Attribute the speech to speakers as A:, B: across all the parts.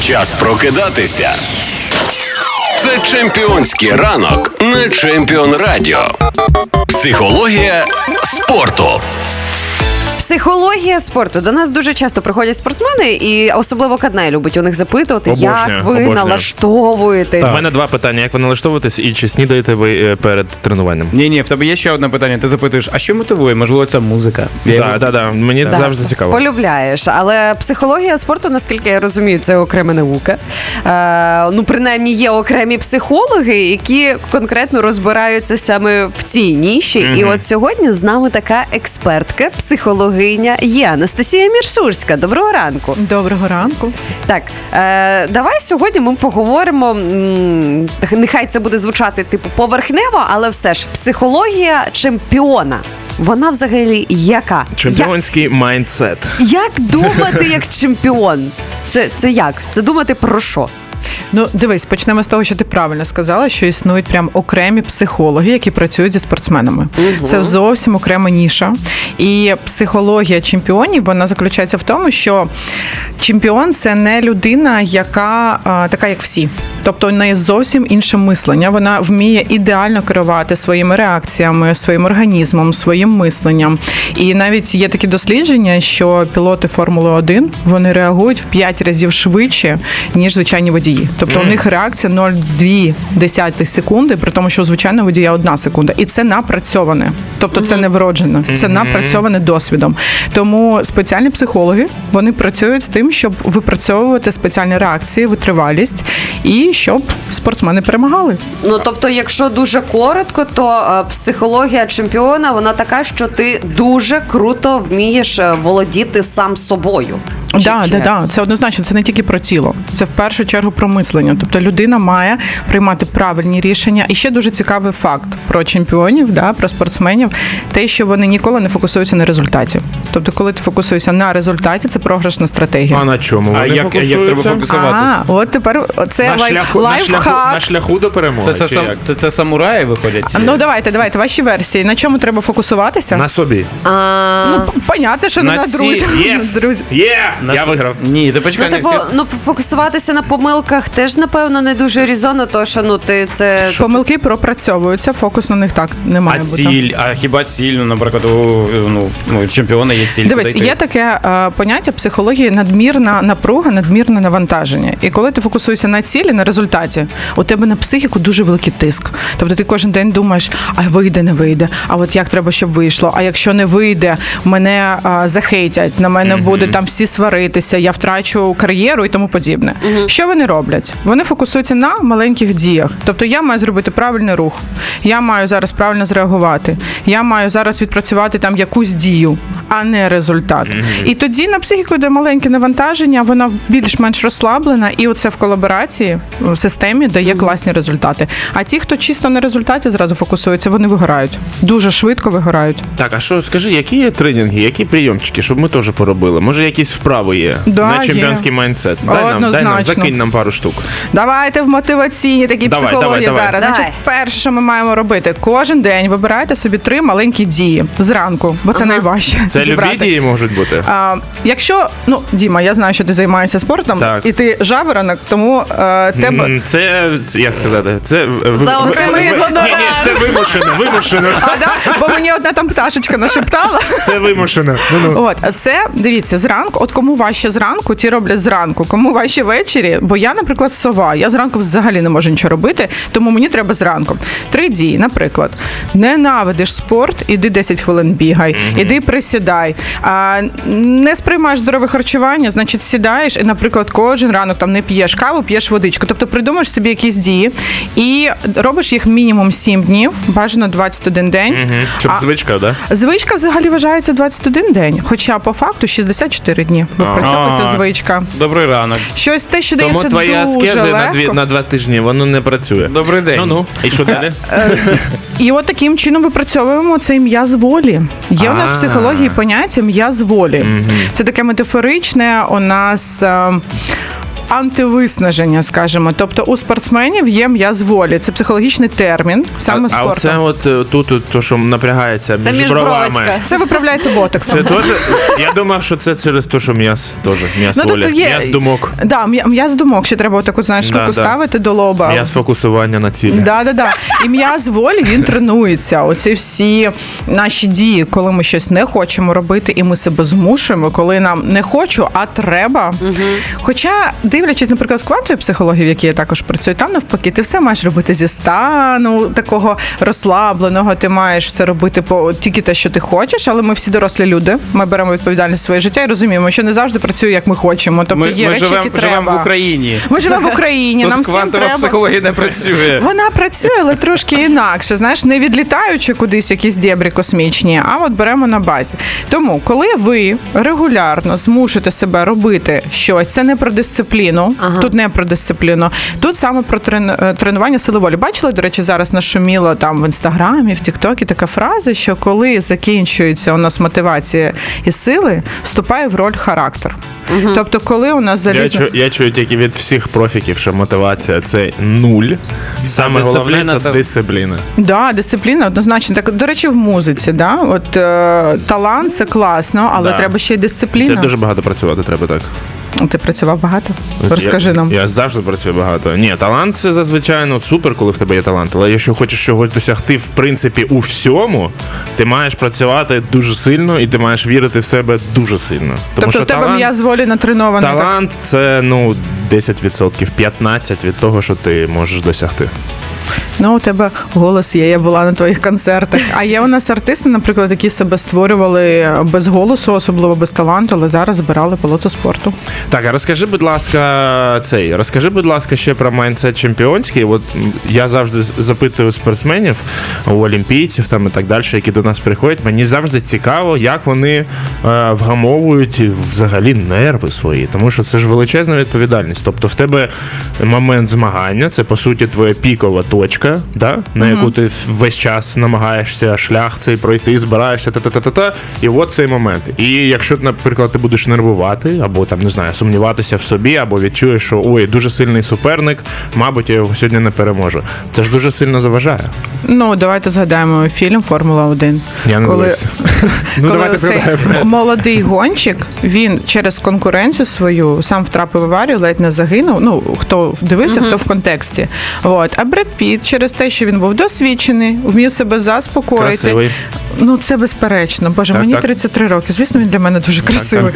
A: Час прокидатися. Це чемпіонський ранок на Чемпіон Радіо. Психологія спорту.
B: Психологія спорту. До нас дуже часто приходять спортсмени, і особливо Каднай любить у них запитувати, як ви налаштовуєтесь.
C: У мене два питання. Як ви налаштовуєтесь і чи снідаєте ви перед тренуванням?
D: Ні, в тебе є ще одне питання. Ти запитуєш, а що мотивує? Можливо, це музика?
C: Так. Мені завжди цікаво.
B: Полюбляєш. Але психологія спорту, наскільки я розумію, це окрема наука. Принаймні, є окремі психологи, які конкретно розбираються саме в цій ніші. І от сьогодні з нами така експертка, психологиня є Анастасія Міршурська. Доброго ранку.
E: Доброго ранку.
B: Так, давай сьогодні ми поговоримо, нехай це буде звучати типу поверхнево, але все ж психологія чемпіона. Вона взагалі яка?
C: Чемпіонський майндсет.
B: Як думати як чемпіон? Це як? Це думати про що?
E: Дивись, почнемо з того, що ти правильно сказала, що існують прям окремі психологи, які працюють зі спортсменами. Це зовсім окрема ніша. І психологія чемпіонів, вона заключається в тому, що чемпіон – це не людина, яка така, як всі. Тобто у неї зовсім інше мислення. Вона вміє ідеально керувати своїми реакціями, своїм організмом, своїм мисленням. І навіть є такі дослідження, що пілоти Формули-1, вони реагують в 5 разів швидше, ніж звичайні водії. Тобто у них реакція 0,2 секунди, при тому, що у звичайного водія 1 секунда. І це напрацьоване. Тобто це не вроджено. Це напрацьоване досвідом. Тому спеціальні психологи, вони працюють з тим, щоб випрацьовувати спеціальні реакції, витривалість і щоб спортсмени перемагали.
B: Тобто, якщо дуже коротко, то психологія чемпіона, вона така, що ти дуже круто вмієш володіти сам собою.
E: Так. Це однозначно, це не тільки про тіло. Це в першу чергу про мислення. Тобто людина має приймати правильні рішення. І ще дуже цікавий факт про чемпіонів, про спортсменів, те, що вони ніколи не фокусуються на результаті. Тобто, коли ти фокусуєшся на результаті, це програшна стратегія.
C: А на чому вони фокусуються?
D: Як треба фокусуватися?
E: От тепер це лайфхак.
C: На шляху до перемоги.
D: Це самураї виходять?
E: Давайте, ваші версії. На чому треба фокусуватися?
C: На собі.
E: Понятно, що не на друзях.
C: Я виграв.
D: Ні, ти почекай.
B: Фокусуватися на помилках теж, напевно, не дуже резонно, тому що, ти це...
E: Помилки пропрацьовуються, фокус на них так не має бути.
D: А хіба ціль, наприклад, у чемпіона є ціль?
E: Дивись, є таке поняття психології надмірна напруга, надмірне навантаження. І коли ти фокусуєшся на цілі, на результаті, у тебе на психіку дуже великий тиск. Тобто ти кожен день думаєш, а вийде, не вийде, а от як треба, щоб вийшло, а якщо не вийде, мене захейтять, на мене буде там всі сваритися, я втрачу кар'єру і тому подібне. Що вони роблять? Вони фокусуються на маленьких діях. Тобто я маю зробити правильний рух, я маю зараз правильно зреагувати, я маю зараз відпрацювати там якусь дію, а не результат. І тоді на психіку йде маленьке навантаження, вона більш-менш розслаблена, і оце в колаборації, в системі дає класні результати. А ті, хто чисто на результаті зразу фокусуються, вони вигорають. Дуже швидко вигорають.
C: Так, а що, скажи, які є тренінги, які прийомчики, щоб ми теж поробили? Може, якісь вправи є на чемпіонський майндсет? Дай нам, закинь нам пару штук.
E: Давайте в мотиваційні такі психології зараз. Значить, перше, що ми маємо робити, кожен день вибирайте собі 3 маленькі дії зранку, бо це найважче.
C: Це любі дії можуть бути?
E: Якщо, Діма, я знаю, що ти займаєшся спортом,
C: так.
E: І ти жаворонок, тому тебе...
C: Це, як сказати, це...
B: Це
C: вимушено.
E: Бо мені одна там пташечка нашептала.
C: Це вимушено.
E: Це, дивіться, зранку, кому важче зранку, ті роблять зранку, кому важче ввечері, бо я, наприклад, сова, я зранку взагалі не можу нічого робити, тому мені треба зранку. 3 дії, наприклад, ненавидиш спорт, іди 10 хвилин бігай, іди присідай. Не сприймаєш здорове харчування, значить сідаєш і, наприклад, кожен ранок там не п'єш каву, п'єш водичку. Тобто придумаєш собі якісь дії і робиш їх мінімум 7 днів, бажано 21 день.
C: Щоб звичка, да?
E: Звичка взагалі вважається 21 день, хоча по факту 64 дні випрацьовується звичка.
D: Добрий ранок.
E: Щось те, що дається
C: тому твоя
E: дуже
C: аскеза на 2 тижні, воно не працює.
D: Добрий день.
C: І що далі?
E: І от таким чином випрацьовуємо цей м'яз волі. Є у нас в психології поняття м'яз волі. Це таке метафоричне у нас антивиснаження, скажімо. Тобто у спортсменів є м'яз волі. Це психологічний термін саме спорту.
C: А оце тут то, що напрягається
B: це
C: між бровами.
E: Це виправляється ботоксом.
C: Це теж, я думав, що це через те, що м'яз волі. М'яз думок.
E: Да, м'яз думок, ще треба отаку, знаєш, руку ставити до лоба.
C: М'яз фокусування на цілі.
E: Да. І м'яз волі, він тренується. Оці всі наші дії, коли ми щось не хочемо робити, і ми себе змушуємо, коли нам не хочу, а треба. Хоча, дивлячись, наприклад, в квантовій психології, в якій я також працюю, там навпаки, ти все маєш робити зі стану такого розслабленого, ти маєш все робити тільки те, що ти хочеш, але ми всі дорослі люди, ми беремо відповідальність за своє життя і розуміємо, що не завжди працює, як ми хочемо. Тобто є речі, які треба.
D: Ми живемо в Україні.
E: Ми живемо в Україні,
D: тут
E: нам всім треба.
D: Квантова психологія не працює.
E: Вона працює, але трошки інакше, знаєш, не відлітаючи кудись якісь дєбрі космічні, а от беремо на базі. Тому, коли ви регулярно змушуєте себе робити щось, це не про дисципліну, тут не про дисципліну, тут саме про тренування сили волі. Бачили, до речі, зараз нашуміло там в Інстаграмі, в Тіктокі така фраза, що коли закінчується у нас мотивація і сили, вступає в роль характер. Тобто, коли у нас залізо...
C: Я чую тільки від всіх профіків, що мотивація – це нуль. Саме головне – це дисципліна.
E: Да, дисципліна однозначно. Так, до речі, в музиці, да? От талант – це класно, але треба ще й дисципліна.
C: Це дуже багато працювати треба, так.
E: Ти працював багато? Розкажи нам.
C: Я завжди працюю багато. Ні, талант – це зазвичай супер, коли в тебе є талант. Але якщо хочеш чогось досягти, в принципі, у всьому, ти маєш працювати дуже сильно і ти маєш вірити в себе дуже сильно. Тому
E: тобто в тебе м'яз волі натренований?
C: Талант – це, 10%, 15% від того, що ти можеш досягти.
E: У тебе голос є, я була на твоїх концертах. А є у нас артисти, наприклад, які себе створювали без голосу, особливо без таланту, але зараз збирали палацу спорту.
C: Так, а розкажи, будь ласка, ще про майндсет чемпіонський. От я завжди запитую спортсменів, у олімпійців там і так далі, які до нас приходять. Мені завжди цікаво, як вони вгамовують взагалі нерви свої, тому що це ж величезна відповідальність. Тобто в тебе момент змагання, це по суті твоя пікова точка, да? На яку ти весь час намагаєшся шлях цей пройти, збираєшся, і от цей момент. І якщо, наприклад, ти будеш нервувати, або там, не знаю, сумніватися в собі, або відчуєш, що ой, дуже сильний суперник, мабуть, я його сьогодні не переможу. Це ж дуже сильно заважає.
E: Давайте згадаємо фільм «Формула-1».
C: Я не дивився.
E: Давайте згадаємо. Молодий гонщик, він через конкуренцію свою сам втрапив в аварію, ледь не загинув. Хто дивився, хто в контексті. А Бред Піт через те, що він був досвідчений, вмів себе заспокоїти.
C: Красивий.
E: Це безперечно. Боже, мені 33 роки. Звісно, він для мене дуже красивий.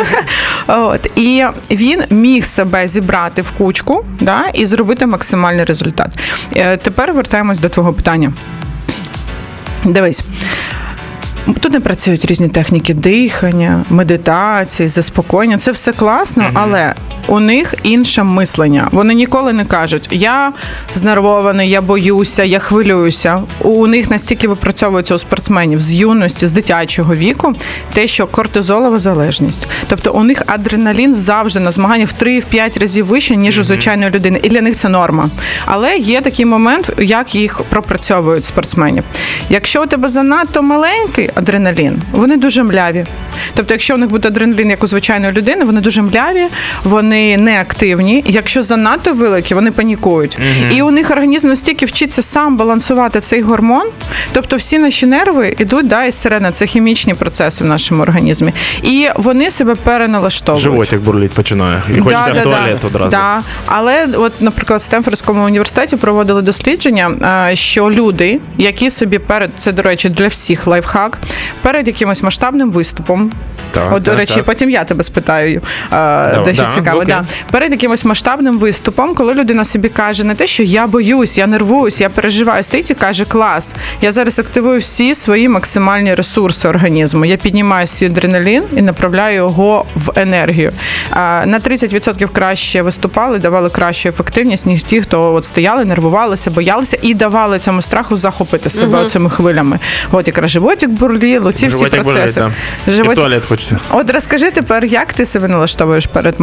E: І він міг себе зібрати в кучку, і зробити максимальний результат. Тепер вертаємось до твого питання. Дивись. Тут не працюють різні техніки дихання, медитації, заспокоєння. Це все класно, але у них інше мислення. Вони ніколи не кажуть, я знервований, я боюся, я хвилююся. У них настільки випрацьовується у спортсменів з юності, з дитячого віку, те, що кортизолова залежність. Тобто у них адреналін завжди на змаганнях в 3-5 разів вище, ніж у звичайної людини. І для них це норма. Але є такий момент, як їх пропрацьовують спортсменів. Якщо у тебе занадто маленький адреналін, вони дуже мляві. Тобто, якщо у них буде адреналін, як у звичайної людини, вони дуже мляві, вони неактивні. Якщо занадто великі, вони панікують. І у них організм настільки вчиться сам балансувати цей гормон, тобто всі наші нерви йдуть із сирени, це хімічні процеси в нашому організмі. І вони себе переналаштовують.
C: Животик бурліть починає. І хочеться в туалет одразу.
E: Да. Але, наприклад, в Стенфордському університеті проводили дослідження, що люди, які собі це, до речі, для всіх лайфхак, перед якимось масштабним виступом, до речі, потім я тебе спитаю, дещо цікаво. Перед якимось масштабним виступом, коли людина собі каже не те, що я боюсь, я нервуюсь, я переживаю, стоїть і каже, клас, я зараз активую всі свої максимальні ресурси організму, я піднімаю свій адреналін і направляю його в енергію. На 30% краще виступали, давали кращу ефективність, ніж ті, хто стояли, нервувалися, боялися і давали цьому страху захопити себе цими хвилями. Якраз животик бурлів, ці всі процеси.
C: І в туалет хочеться.
E: Розкажи тепер, як ти себе налаштовуєш перед масштабними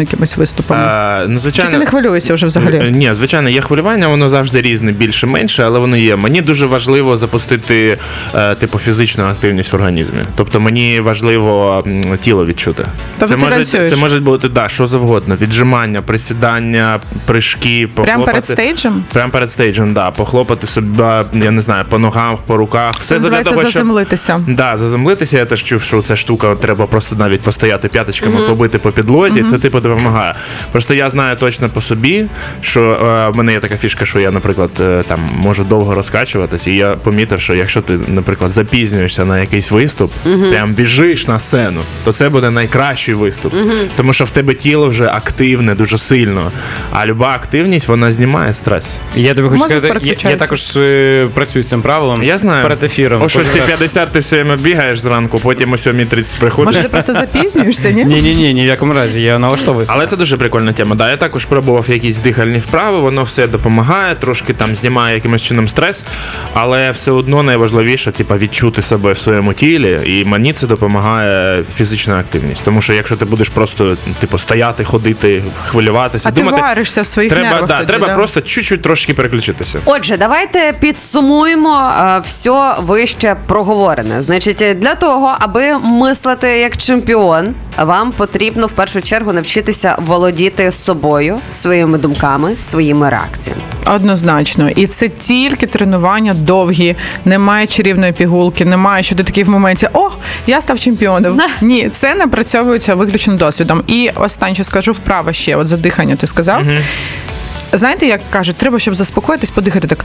E: якимись виступами?
C: Ну,
E: Чи
C: звичайно,
E: ти не хвилюєшся вже взагалі?
C: Ні, звичайно, є хвилювання, воно завжди різне, більше-менше, але воно є. Мені дуже важливо запустити фізичну активність в організмі. Тобто мені важливо тіло відчути.
E: Тобто ти танцюєш?
C: Це може бути що завгодно. Віджимання, присідання, прыжки,
E: Прямо перед стейджем?
C: Прямо перед стейджем, да. Похлопати себе, я не знаю, по ногах, по руках. Все
E: Це називається заземлитися.
C: Да, заземлитися. Я теж чув, що ця штука треба просто навіть постояти п'яточками, побити по підлозі. Це допомагає. Просто я знаю точно по собі, що в мене є така фішка, що я, наприклад, там можу довго розкачуватись, і я помітив, що якщо ти, наприклад, запізнюєшся на якийсь виступ, прям біжиш на сцену, то це буде найкращий виступ. Тому що в тебе тіло вже активне, дуже сильно. А люба активність, вона знімає стрес.
D: Я тобі хочу
E: Мозок
D: сказати, я
E: переключається.
D: також працюю з цим правилом.
C: Я знаю.
D: Перед ефіром.
C: О 6:50 ти все время бігаєш зранку, потім о 7:30 приходиш.
E: Може, ти просто запізнюєшся, ні?
D: Ні, ні в якому разі, я налаштовуюся.
C: Але це дуже прикольна тема. Да, я також пробував якісь дихальні вправи, воно все допомагає, трошки там знімає якимось чином стрес, але все одно найважливіше, відчути себе в своєму тілі, і мені це допомагає фізична активність. Тому що якщо ти будеш просто стояти, ходити, хвилюватися,
E: А
C: думати,
E: ти варишся в своїх нервах тоді,
C: треба
E: да?
C: просто чуть-чуть трошки переключитися.
B: Отже, давайте підсумуємо все вище проговорене. Значить, для того, аби мислити як чемпіон, вам потрібно в першу чергу навчитися володіти собою, своїми думками, своїми реакціями.
E: Однозначно. І це тільки тренування довгі, немає чарівної пігулки, немає, що ти такий в моменті «О, я став чемпіоном». Ні, це напрацьовується виключно досвідом. І останнє, що скажу, вправа ще, от за дихання ти сказав. Знаєте, як кажуть, треба, щоб заспокоїтись, подихати так.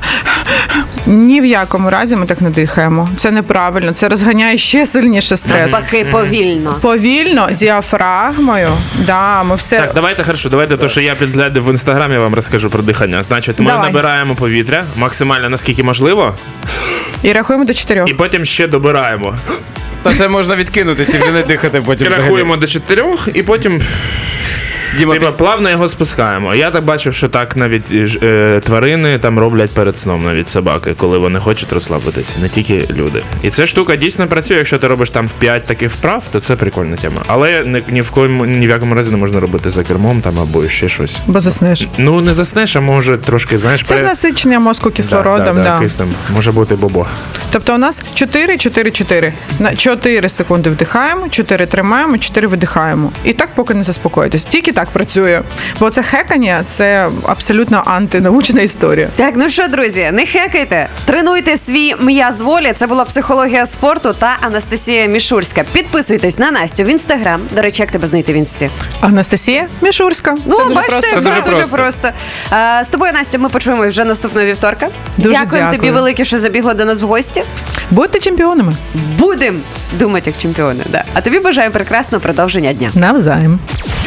E: Ні в якому разі ми так не дихаємо. Це неправильно, це розганяє ще сильніше стрес.
B: Навпаки, повільно.
E: Повільно, діафрагмою, да, ми все...
C: Так, давайте то, що я підглядив в інстаграмі, вам розкажу про дихання. Значить, ми
E: Давай.
C: набираємо повітря максимально наскільки можливо,
E: І рахуємо до 4.
C: і потім ще добираємо.
D: Та це можна відкинутися і вже не дихати потім.
C: І рахуємо до 4, і потім
D: Діма,
C: плавно його спускаємо. Я так бачив, що так навіть тварини там роблять перед сном, навіть собаки, коли вони хочуть розслабитися, не тільки люди. І ця штука дійсно працює. Якщо ти робиш там 5 таких вправ, то це прикольна тема. Але ні в якому разі не можна робити за кермом там або ще щось.
E: Бо заснеш.
C: Ну, не заснеш, а може трошки, знаєш,
E: Це ж насичення мозку кислородом, да.
C: якийсь там, може бути бобо.
E: Тобто у нас 4-4-4. На 4 секунди вдихаємо, 4 тримаємо, 4 видихаємо. І так, поки не заспокоїтесь. Тільки так працює. Бо це хекання, це абсолютно антинаучна історія.
B: Так, ну що, друзі, не хекайте, тренуйте свій м'яз волі. Це була психологія спорту та Анастасія Мішурська. Підписуйтесь на Настю в інстаграм. До речі, як тебе знайти в інсті?
E: Анастасія Мішурська.
B: Ну,
E: Це дуже
B: бачите,
E: просто.
B: все дуже просто. З тобою, Настя, ми почуємось вже наступного вівторка.
E: Дуже
B: Дякуємо тобі
E: дякую.
B: велике, що забігла до нас в гості.
E: Будьте чемпіонами.
B: Будем думати як чемпіони. Да. А тобі бажаю прекрасного продовження дня.
E: Навзаєм.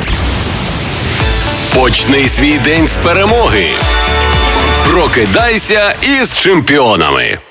A: Почни свій день з перемоги. Прокидайся із чемпіонами.